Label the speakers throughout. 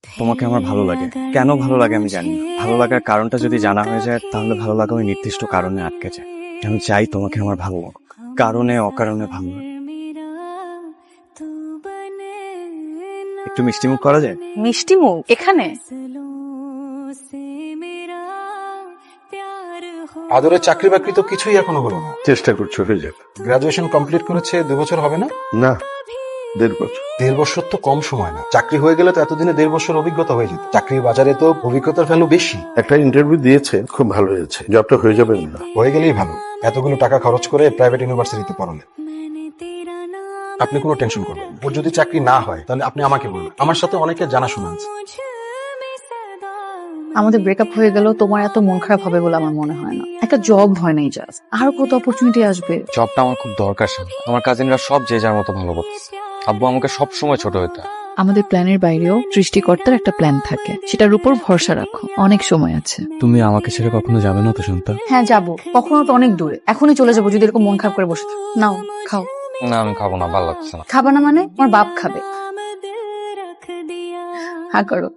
Speaker 1: তোমাকে আমার ভালো লাগে। কেন ভালো লাগে আমি জানি না। ভালো লাগার কারণটা যদি জানা হয়ে যায় তাহলে ভালো লাগা ওই নির্দিষ্ট কারণে আটকে যায়। আমি চাই তোমাকে আমার ভালো লাগুক, কারণে অকারণে ভালো লাগে। একটু মিষ্টিমুখ করা যায়?
Speaker 2: মিষ্টি মুখ এখানে?
Speaker 3: আদরের চাকরি বাকরি তো কিছুই এখনো হলো না।
Speaker 4: চেষ্টা করছো হয়ে যাবে।
Speaker 3: গ্রাজুয়েশন কমপ্লিট করেছে 2 বছর হবে না?
Speaker 4: না, 1.5 বছর।
Speaker 3: 1.5 বছর তো কম সময় না। চাকরি হয়ে গেলে তো এতদিনে 1.5 বছর অভিজ্ঞতা হয়ে যেত। চাকরির বাজারে তো অভিজ্ঞতার ভ্যালু বেশি।
Speaker 4: একটা ইন্টারভিউ দিয়েছে, খুব ভালো হয়েছে। জবটা হয়ে যাবে না?
Speaker 3: হয়ে গেলেই ভালো। এতগুলো টাকা খরচ করে প্রাইভেট ইউনিভার্সিটিতে পড়ালে। আপনি কোনো টেনশন করবেন না। ওর যদি চাকরি না হয় তাহলে আপনি আমাকে বলবেন। আমার সাথে অনেকে জানাশোনা আছে।
Speaker 2: আমাদের ব্রেকআপ হয়ে গেল, তোমার এত মন খারাপ হবে বলে আমার মনে হয় না। একটা জব হয় নাই, জাস্ট আরো কত অপরচুনিটি আসবে।
Speaker 1: জবটা আমার খুব দরকার। আমার কাজিনরা সব যে যার মতো ভালো করতেছে। আব্বু আমাকে সব সময় ছোট হইতে।
Speaker 2: আমাদের প্ল্যানের বাইরেও সৃষ্টিকর্তার একটা প্ল্যান থাকে, সেটার উপর ভরসা রাখো, অনেক সময় আছে।
Speaker 1: তুমি আমাকে ছেড়ে কখনো যাবে না তো শান্তা?
Speaker 2: হ্যাঁ যাবো, কখনো তো অনেক দূরে। এখনই চলে যাবো যদি এরকম মন খারাপ করে বসে থাকো। নাও খাও।
Speaker 1: না আমি খাবো না, ভালো লাগছে না।
Speaker 2: খাবা না মানে? আমার বাপ খাবে। হ্যাঁ করো।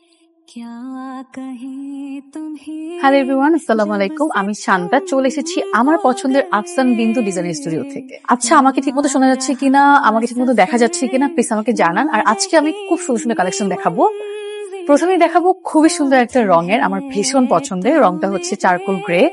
Speaker 2: হ্যালো এভরিওয়ান, আসসালামু আলাইকুম। আমি শান্তা, চলে এসেছি আমার পছন্দের আফসান বিন্দু ডিজাইন স্টুডিও থেকে। আচ্ছা, আমাকে ঠিকমতো শোনা যাচ্ছে কিনা, আমাকে ঠিকমতো দেখা যাচ্ছে কিনা প্লিজ আমাকে জানান। আর আজকে আমি খুব সুন্দর সুন্দর কালেকশন দেখাবো। প্রথমেই দেখাবো খুবই সুন্দর একটা রঙের, আমার ভীষণ পছন্দের রংটা হচ্ছে চারকোল গ্রে।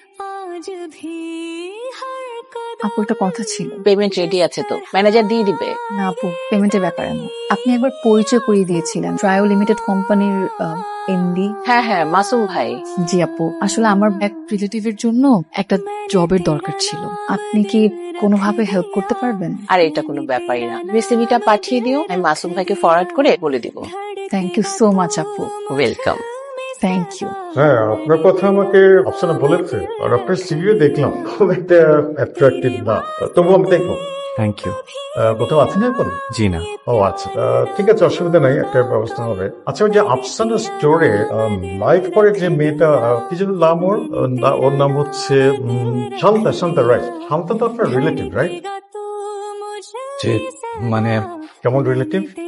Speaker 2: আপু একটা কথা ছিল।
Speaker 5: পেমেন্ট রেডি আছে তো, ম্যানেজার দিয়ে দিবে।
Speaker 2: না আপু, পেমেন্টের ব্যাপারে না। আপনি একবার পরিচয় করিয়ে দিয়েছিলেন ট্রায়ো লিমিটেড কোম্পানির এমডি।
Speaker 5: হ্যাঁ হ্যাঁ, মাসুম ভাই।
Speaker 2: জি আপু, আসলে আমার এক রিলেটিভের জন্য একটা জবের দরকার ছিল। আপনি কি কোনোভাবে হেল্প করতে পারবেন?
Speaker 5: আর এটা কোনো ব্যাপারই না, রেসিপিটা পাঠিয়ে দিও, আমি মাসুম ভাইকে ফরওয়ার্ড করে বলে দিব।
Speaker 2: থ্যাংক ইউ সো মাচ আপু।
Speaker 5: ওয়েলকাম।
Speaker 2: Thank you.
Speaker 6: হ্যাঁ, আপনার কথা আমাকে আফসানা বলেছে, আর আপনার সিভিও দেখলাম, খুব একটা অ্যাট্রাকটিভ না, তবু আমি দেখবো।
Speaker 1: Thank you.
Speaker 6: কোথাও আছেন এখন?
Speaker 1: জি না।
Speaker 6: ও আচ্ছা, ঠিক আছে, অসুবিধা নাই, একটা ব্যবস্থা হবে। আচ্ছা, ওই যে আফসানা স্টোরে লাইভ করে যে মেয়েটা, কি যেন নাম ওর? ওর নাম হচ্ছে শান্তা। শান্তা, রাইট? শান্তা তো আপনার রিলেটিভ, রাইট?
Speaker 1: জি, মানে
Speaker 6: কেমন রিলেটিভ?